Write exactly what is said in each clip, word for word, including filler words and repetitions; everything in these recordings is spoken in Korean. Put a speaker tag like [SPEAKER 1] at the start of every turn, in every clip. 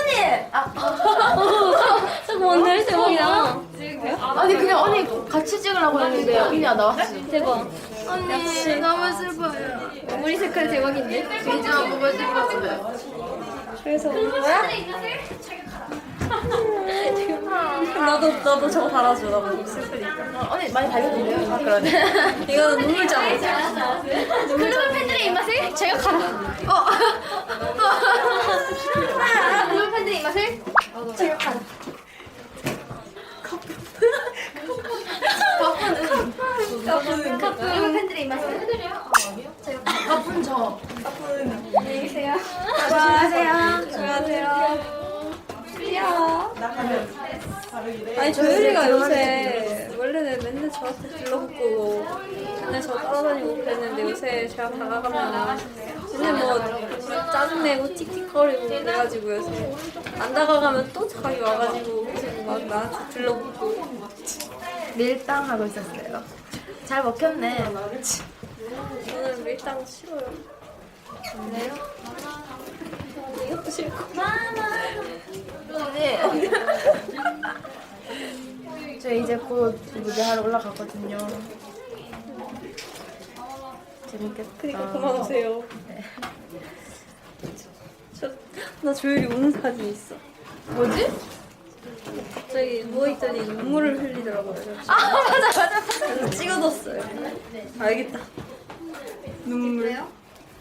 [SPEAKER 1] 아,
[SPEAKER 2] 오늘 대박이다.
[SPEAKER 1] 아니 그냥 언니 같이 찍으려고 했는데 언니가 나왔어.
[SPEAKER 2] 대박.
[SPEAKER 1] 언니 너무 슬퍼요.
[SPEAKER 2] 머리 색깔 대박인데?
[SPEAKER 1] 비주얼 보고 싶었어요.
[SPEAKER 2] 그래서 오는 거야? 나도 나도 저거 달아줘. 나 너무 슬프니까.
[SPEAKER 1] 어, 언니 많이 달렸는데요? 아 그러네.
[SPEAKER 2] 이거는 눈물자국.
[SPEAKER 1] 클로버 팬들의 입맛을 제격하라. 어. 클로버 팬들의 입맛을 제격하라. 가쁜 가쁜 클로버 팬들의 입맛을 제격하라. 가쁜 저.
[SPEAKER 2] 안녕히 계세요.
[SPEAKER 1] 안녕하세요.
[SPEAKER 2] 안녕하세요. 야. 아니 조율이가 요새 원래는 맨날 저한테 불러붙고 맨날 저 따라다니고 그랬는데 요새 제가 다가가면 맨날 뭐 짜증내고 틱틱거리고 그래가지고 요새 안 다가가면 또 자기 와가지고 계속 막 나한테 들러붙고.
[SPEAKER 1] 밀당 하고 있었어요. 잘 먹혔네.
[SPEAKER 2] 저는 밀당 싫어요.
[SPEAKER 1] 네요?
[SPEAKER 2] 이것도 싫고.
[SPEAKER 1] 네. 저 이제 곧 무대하러 올라가거든요. 재밌겠다.
[SPEAKER 2] 그니까 그만 오세요. 저, 나 조율이 우는 사진 있어.
[SPEAKER 1] 뭐지?
[SPEAKER 2] 갑자기 누워있더니 눈물을 흘리더라고요.
[SPEAKER 1] 아 맞아 맞아.
[SPEAKER 2] 그래서 찍어뒀어요. 알겠다. 눈물요?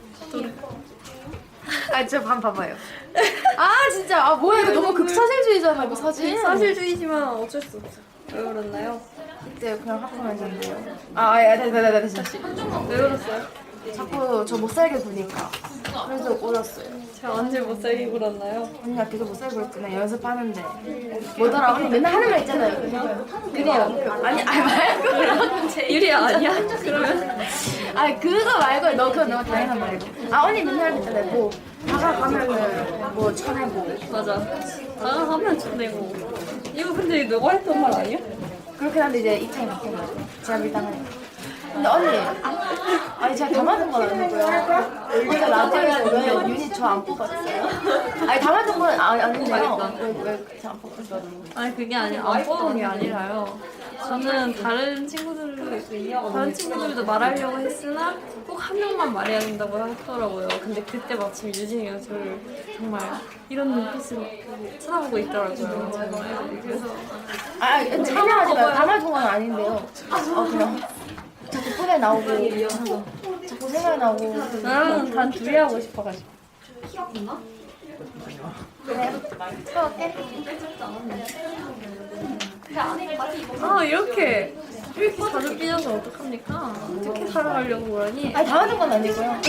[SPEAKER 1] 아저 반 봐봐요. 아 진짜 아 뭐야 이거 너무 극사실주의잖아 이거 사진.
[SPEAKER 2] 사실주의지만 어쩔 수 없어. 왜 그랬나요?
[SPEAKER 1] 그때 그냥 하품을 했는데요. 아 아야 다다다다 다시.
[SPEAKER 2] 왜 그랬어요?
[SPEAKER 1] 자꾸 저 못살게 구니까. 그래서 울었어요.
[SPEAKER 2] 제가 언제 못살게 굴었나요?
[SPEAKER 1] 언니가 계속 못살게 굴었잖아 연습하는데. 뭐더라 언니 맨날 하는 말 있잖아요. 그래요. 아니 아니 말고.
[SPEAKER 2] 유리야 아니야? 그러면
[SPEAKER 1] 아니 그거 말고 너 그건 너무 당연한 말이고. 아 언니 맨날 했잖아요. 뭐 다가가면은 뭐 쳐내고.
[SPEAKER 2] 맞아. 다가가면 좋네고. 이거 근데 너가 했던 말 아니야?
[SPEAKER 1] 그렇긴 한데 이제 입장이 바뀐 거죠. 제가 밀당하니까. 근데 언니, 아니 제가 다 맞은 건 아니고요. 일단 나중에 왜 유닛 저 안 뽑았어요? 아니 다 맞은 건 아, 아닌데요. 왜왜저안 뽑았어요?
[SPEAKER 2] 아니 그게 아니라 안 뽑은 게 아니라요. 저는 다른 친구들 다른 친구들도 말하려고 했으나 꼭 한 명만 말해야 된다고 하더라고요. 근데 그때 마침 유진이가 저를 정말 이런 눈빛으로 쳐다보고 있더라고요. 그래서
[SPEAKER 1] 아, 참여하지 마요. 다 맞은 건 아닌데요. 어 그냥 자꾸 폰에 나오고 자꾸 생각이 나고.
[SPEAKER 2] 나는 단 둘이 하고 싶어가지고.
[SPEAKER 1] 그래. 수고할게.
[SPEAKER 2] 아 이렇게 이렇게 자주 삐져서 어떡합니까? 어떻게 살아가려고 그러니?
[SPEAKER 1] 아니 다 맞은 건 아니고요.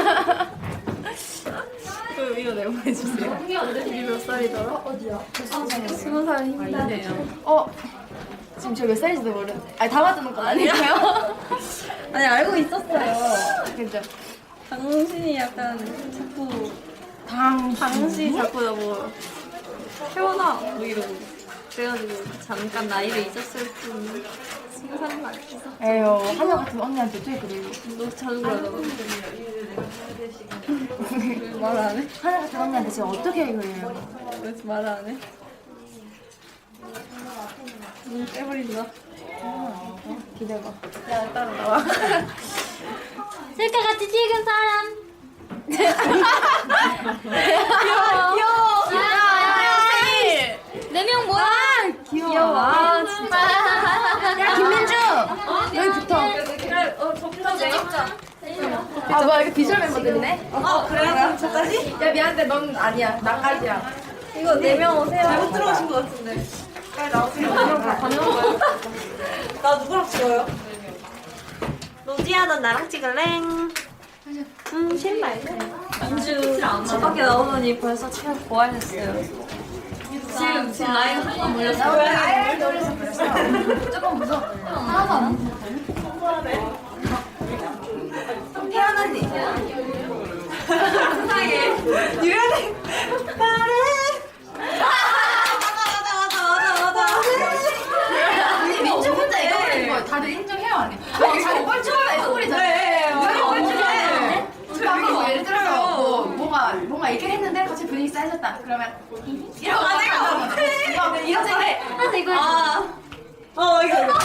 [SPEAKER 2] 그 이거 내보내주세요. 이게 몇 살이더라? 어디야? 스무 살 힘드네요.
[SPEAKER 1] 어 지금 저 몇 살인지도 모르는데. 아니 다 맞은 건 아니고요.
[SPEAKER 2] 아니 알고 있었어요.
[SPEAKER 1] 그죠?
[SPEAKER 2] 당신이 약간 자꾸
[SPEAKER 1] 당
[SPEAKER 2] 당신 자꾸 나뭐 태어나 뭐 이러고 그래가지고 잠깐 나이를 잊었을 뿐 스무 살은 아니었어.
[SPEAKER 1] 에휴 하나 같은 언니한테 어떻게 그래요?
[SPEAKER 2] 너 자주 그러더라고. 말 안 해?
[SPEAKER 1] 하나 같은 언니한테 제가 어떻게 그래요?
[SPEAKER 2] 왜 말 안 해? 눈 빼버린다.
[SPEAKER 1] 기대봐. 야 따로 나와.
[SPEAKER 2] 셀카 같이 찍은 사람.
[SPEAKER 1] 귀여워. 야야야 생일.
[SPEAKER 2] 네 명 뭐야?
[SPEAKER 1] 귀여워.
[SPEAKER 2] 귀여워. 아, 진짜.
[SPEAKER 1] 야 김민주 여기 붙어.
[SPEAKER 2] 어, 저부터 찍자.
[SPEAKER 1] 아 뭐야 이거 비주얼 멤버들이네.
[SPEAKER 2] 어, 그래요? 저까지?
[SPEAKER 1] 야 미안한데 넌 아니야. 나까지야.
[SPEAKER 2] 이거 네 명 오세요.
[SPEAKER 1] 잘못 들어오신 것 같은데. 빨리 나오세요. 반영가요?
[SPEAKER 2] 나 누구랑 찍어요? 로지야, 넌 나랑 찍을래? 음, 신발. 민주 집 밖에 나오더니 벌써 체력 고갈했어요. 지금 지금 나이 한번 물렸어.
[SPEAKER 1] 아예 놀려서 그랬어. 조금 무서워. 하나도 안 무서워. 태연 언니.
[SPEAKER 2] 세상에. 유연해. 말해. 맞아, 맞아, 맞아, 맞아, 맞아.
[SPEAKER 1] 아니 민주 혼자 이거 부리는 거 다들 인정해요 아니? 아니 자꾸 뻘쭘하다 이거 부리잖아. 왜 뻘쭘해? 아까 뭐 예를 들어서 뭐 뭐가 뭔가 뭔가 얘기를 했는데 갑자기 분위기 쌓여졌다. 그러면 이러고 가지고 그래. 이런 생각에 나도 이걸
[SPEAKER 2] 어 이거 이거.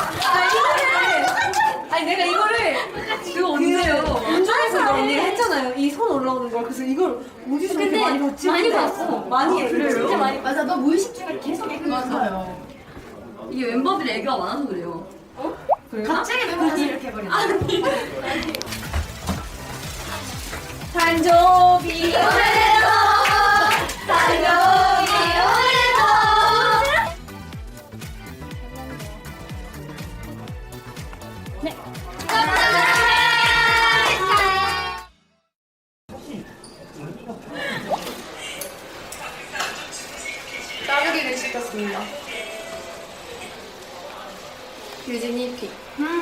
[SPEAKER 1] 아니 내가 이거를
[SPEAKER 2] 그거 언제요? 운전해서 이거 언니가 했잖아요. 이 손 올라오는 걸. 그래서 이걸 어디서 이렇게 많이 봤지?
[SPEAKER 1] 많이 봤어.
[SPEAKER 2] 많이 해. 그래요?
[SPEAKER 1] 진짜 많이 맞아. 너 무의식 중에 계속 얘기 맞아요.
[SPEAKER 3] 이게 멤버들이 애교가 많아서 그래요.
[SPEAKER 1] 갑자기 멤버들이 이렇게 해버리네.
[SPEAKER 2] 단조비.
[SPEAKER 1] 따르기를 시켰습니다. 유진이 픽.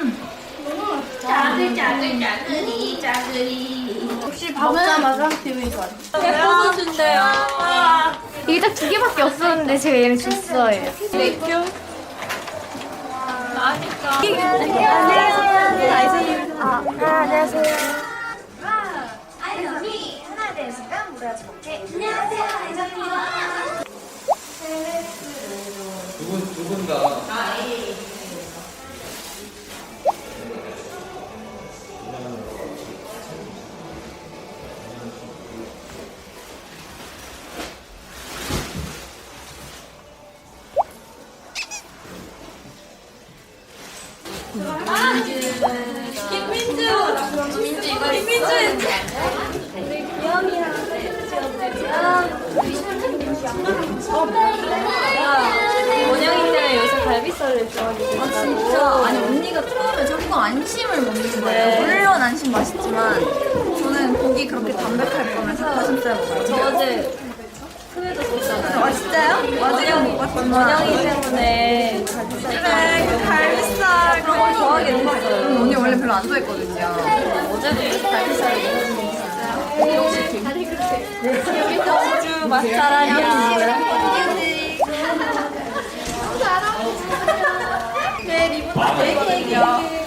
[SPEAKER 3] 짜들 짜들 짜들이 짜들이.
[SPEAKER 1] 혹시 먹자마자 기분이 좋아요.
[SPEAKER 2] 예뻐서 준대요.
[SPEAKER 1] 이게 딱 두 개밖에 없었는데 제가 얘를 줬어요.
[SPEAKER 2] 맥주. 맛있다.
[SPEAKER 1] 안녕하세요.
[SPEAKER 4] 아이언이 하나 되었으니까 무라지 먹게. 안녕하세요, 아이언입니다.
[SPEAKER 5] 두 분, 두 분 다.
[SPEAKER 2] 김민주. 김민주 이거 김민주. 원영이 때문에 요새 갈비살을 좋아하게 됐다고.
[SPEAKER 3] 아 진짜 아니 언니가 처음에 자꾸 안심을 먹는 거예요.
[SPEAKER 2] 네.
[SPEAKER 3] 물론 안심 맛있지만 저는 고기 그렇게 담백할 거면 닭가슴살 먹어요.
[SPEAKER 2] 저 어제 크메도 썼잖아요.
[SPEAKER 3] 아 진짜요? 맞아요 못 봤지만
[SPEAKER 2] 원영이 때문에 갈비살
[SPEAKER 3] 그래 갈비살
[SPEAKER 2] 그런 걸 좋아하게 됐어요.
[SPEAKER 3] 언니 원래 별로 안 좋아했거든요.
[SPEAKER 2] 어제부터 갈비살을 먹었어요. 여기서 맛잘하냐. 네, 리본 다 애기 애기.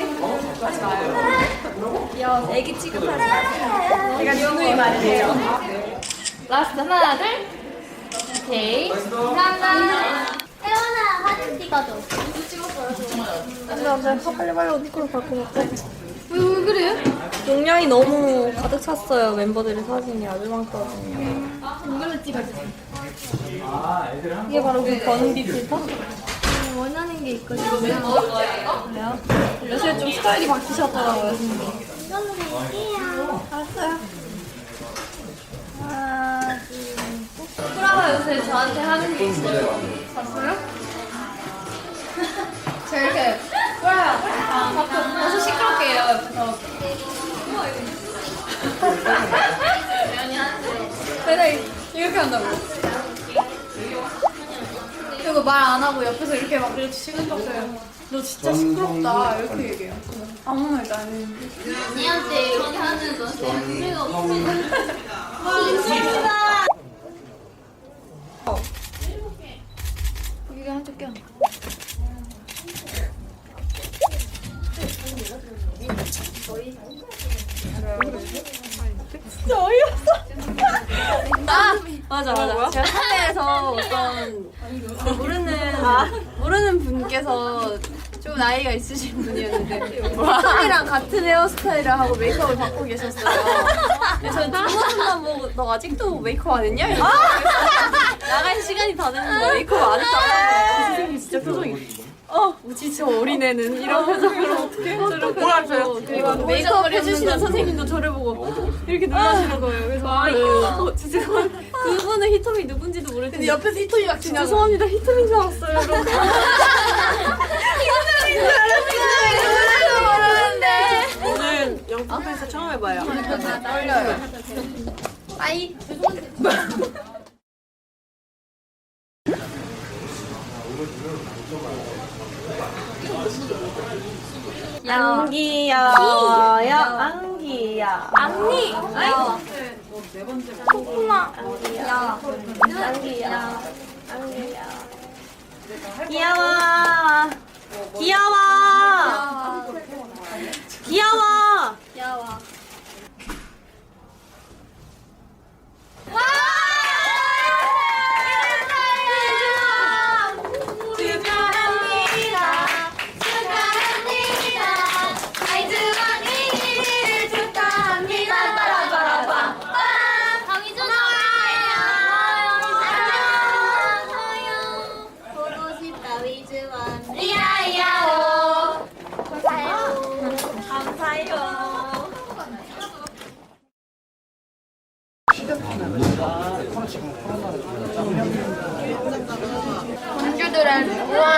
[SPEAKER 2] 야, 애기 취급하지 마세요.
[SPEAKER 1] 제가 누누이 말해요. 라스트 하나, 둘. 오케이. 감사합니다.
[SPEAKER 4] 태연아, 사진 찍어줘.
[SPEAKER 2] 근데 갑자기 빨리 빨리 옷 입고 갈것 같아. 왜, 왜 그래요? 용량이 너무 가득 찼어요. 멤버들의 사진이 아주 많거든요.
[SPEAKER 1] 이걸로 찍어주세요.
[SPEAKER 2] 이게 바로 그 버는비 필터?
[SPEAKER 4] 원하는 게 있거든요.
[SPEAKER 2] 그래요? 요새 좀 스타일이 바뀌셨더라고요, 선생님.
[SPEAKER 4] 이걸로 갈게요.
[SPEAKER 2] 알았어요. 하나, 둘, 셋. 프라가 요새 저한테 하는 게 있어요. 봤어요?
[SPEAKER 1] 제가 이렇게 뭐야? 벌써 시끄럽게 해요, 옆에서.
[SPEAKER 2] 맨날 이렇게 한다고.
[SPEAKER 1] 그리고 말 안 하고 옆에서 이렇게 막 이렇게 시끄럽어요. 너 진짜 시끄럽다. 이렇게 얘기해요. 아무 말도 안 했는데.
[SPEAKER 4] 언니한테 이렇게 하는 거 재미가 없으면
[SPEAKER 1] 이게 한쪽 껴.
[SPEAKER 2] 맞아, 맞아. 제가 사내에서 어떤 모르는, 모르는 분께서 좀 나이가 있으신 분이었는데, 희tom이랑 같은 헤어스타일을 하고 메이크업을 받고 계셨어요. 그래서 두번만 보고, 너 아직도 메이크업 안 했냐? 이러고 나갈 시간이 다 됐는데 메이크업 안 했다고. 선생님 진짜 표정이. 어, 뭐지, 저 어린애는 이런 표정으로 어떻게 저를 뭐라고요? 그리고 메이크업 해주시는 선생님도 저를 보고 이렇게 놀라시는 거예요. 그래서 아, 어, 죄송합니다. 그분은 히토미 누군지도 모르겠는데
[SPEAKER 1] 근데 옆에서 히토미 막 지나가.
[SPEAKER 2] 죄송합니다. 히토미인 줄 알았어요. 이러고. 오늘 영국에서 처음 해봐요.
[SPEAKER 1] 떨려요.
[SPEAKER 2] 빠이. 안기야워요. 안기야.
[SPEAKER 1] 언니!
[SPEAKER 2] 안기야. 코코마. 안기야. 안기야. 안기야. 귀여워. 귀여워. 귀여워. 귀여워.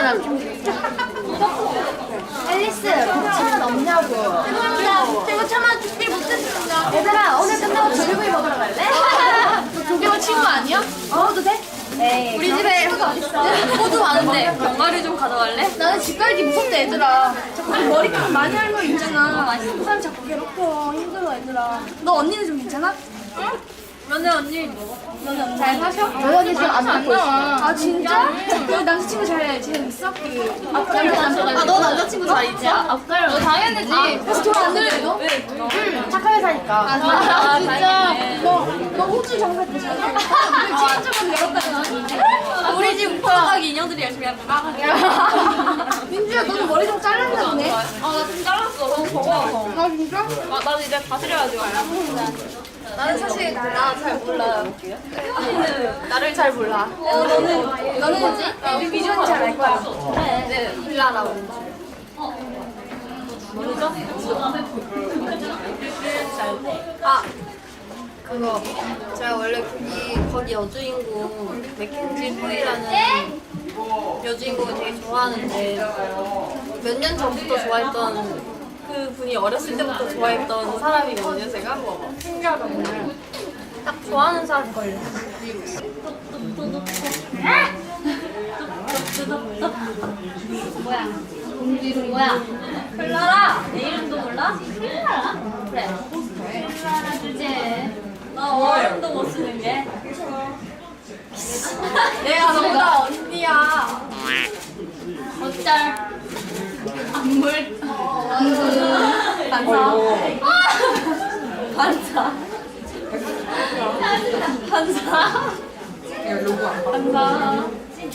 [SPEAKER 1] 앨리스 고치면 없냐고.
[SPEAKER 4] 제가 차마 준비 못했습니다.
[SPEAKER 1] 얘들아 오늘 끝나고 조개구이 먹으러 갈래?
[SPEAKER 4] 조개가 친구 아니야?
[SPEAKER 1] 먹어도 돼? 에이
[SPEAKER 4] 우리 집에 호두 많은데
[SPEAKER 2] 병아리 좀 가져갈래?
[SPEAKER 4] 나는 집 갈기 무섭대 얘들아. 자꾸 머리카락 많이 할머 있잖아. 그 사람 자꾸 괴롭혀. 힘들어 얘들아. 너 언니는 좀 괜찮아?
[SPEAKER 2] 너네 언니
[SPEAKER 4] 잘 사셔?
[SPEAKER 1] 저희 언니 지금 안 듣고 있어.
[SPEAKER 4] 아 진짜? 너 남자친구 잘 지내고 있어? 그 앞가려 남자가. 아너 남자친구 잘 있지? 앞가려. 너 당연하지. 아, 그래서 돈 안 내래 너?
[SPEAKER 1] 응 착한 회사니까.
[SPEAKER 4] 아 진짜. 너너 호주 정사 되잖아. 왜 친구적으로 열었다가 나왔는데?
[SPEAKER 2] 우리 집 오빠가기 인형들이 열심히 하고
[SPEAKER 4] 민주야 너는 머리 좀 잘랐나 보네.
[SPEAKER 2] 아나 좀 잘랐어 너무 버거워서
[SPEAKER 4] 아 진짜?
[SPEAKER 2] 아, 나도 이제 다스려야지
[SPEAKER 4] 나는 사실 나 잘 몰라.
[SPEAKER 2] 나를 잘 몰라
[SPEAKER 4] 어, 너는 너는 뭐지? 우리 미주언니 잘 알 거야.
[SPEAKER 2] 네 빌라라고 모르죠? 아 그거 제가 원래 거기 거기 여주인공 맥켄지 후이라는 여주인공을 되게 좋아하는데 몇 년 전부터 좋아했던 그 분이 어렸을 때부터 좋아했던 사람이거든요 제가 신기하다고 딱 좋아하는 사람 걸려
[SPEAKER 4] 뭐야? 공주 이름 뭐야?
[SPEAKER 2] 클라라 내 이름도 몰라?
[SPEAKER 4] 클라라? 그래. 클라라 주제.
[SPEAKER 2] 나 어른도 못 쓰는 게 내가 너보다 언니야
[SPEAKER 4] 어쩔. 안물.
[SPEAKER 2] 반사 반사 반사 반사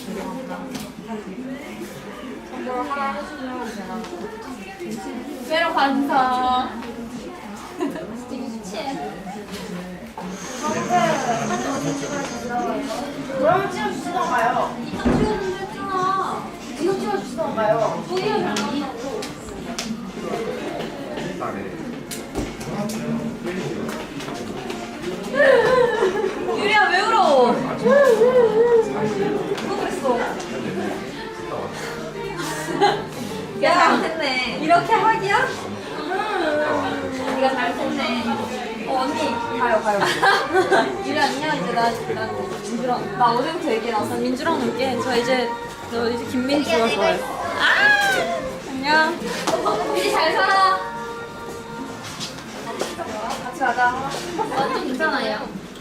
[SPEAKER 4] 외로 반사.
[SPEAKER 1] 그럼 찍어주시던가요?
[SPEAKER 4] 찍어주셨잖아.
[SPEAKER 1] 이거 찍어주시던가요?
[SPEAKER 2] 유리야 왜 울어? 누가 그랬어? 야 잘했네. 이렇게 하기야? 네가 잘했네. 어 언니 가요 가요. 유리 안녕 이제 나, 나 민주랑 나 어제부터 얘기 나왔어. 민주랑 놀게. 저 이제 너 이제 김민주가 좋아해. 아 안녕.
[SPEAKER 4] 미리 잘 살아.
[SPEAKER 2] 같이 가자.
[SPEAKER 4] 완전 괜찮아요.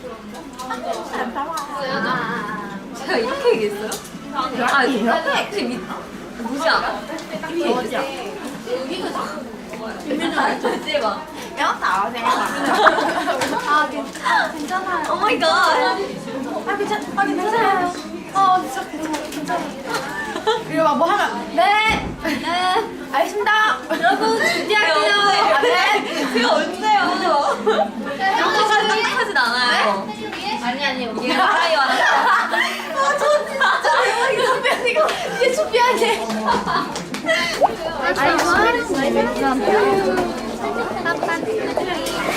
[SPEAKER 2] 제가 이렇게 얘기했어요? 아 이렇게 미 누구지 않아? 이렇게 얘기했어. 김민주 알지 봐.
[SPEAKER 1] 아
[SPEAKER 4] 아 괜찮아. 괜찮아요.
[SPEAKER 2] 오 마이 갓.
[SPEAKER 1] 아 괜찮 아 괜찮아요. 어 진짜 괜찮아요. 괜찮아요. 이리 와뭐 하면 네. 네. 알겠습니다.
[SPEAKER 2] 여러분 준비할게요.
[SPEAKER 1] 아, 네.
[SPEAKER 2] 제가 언제요? 이렇게까지 행복하진 않아요.
[SPEAKER 4] 아니 아니 우리
[SPEAKER 2] 이게 사랑이 많았어.
[SPEAKER 1] 아저 진짜 대박이다. 이거 이게 준비하게. 아니 뭐 하는 거야?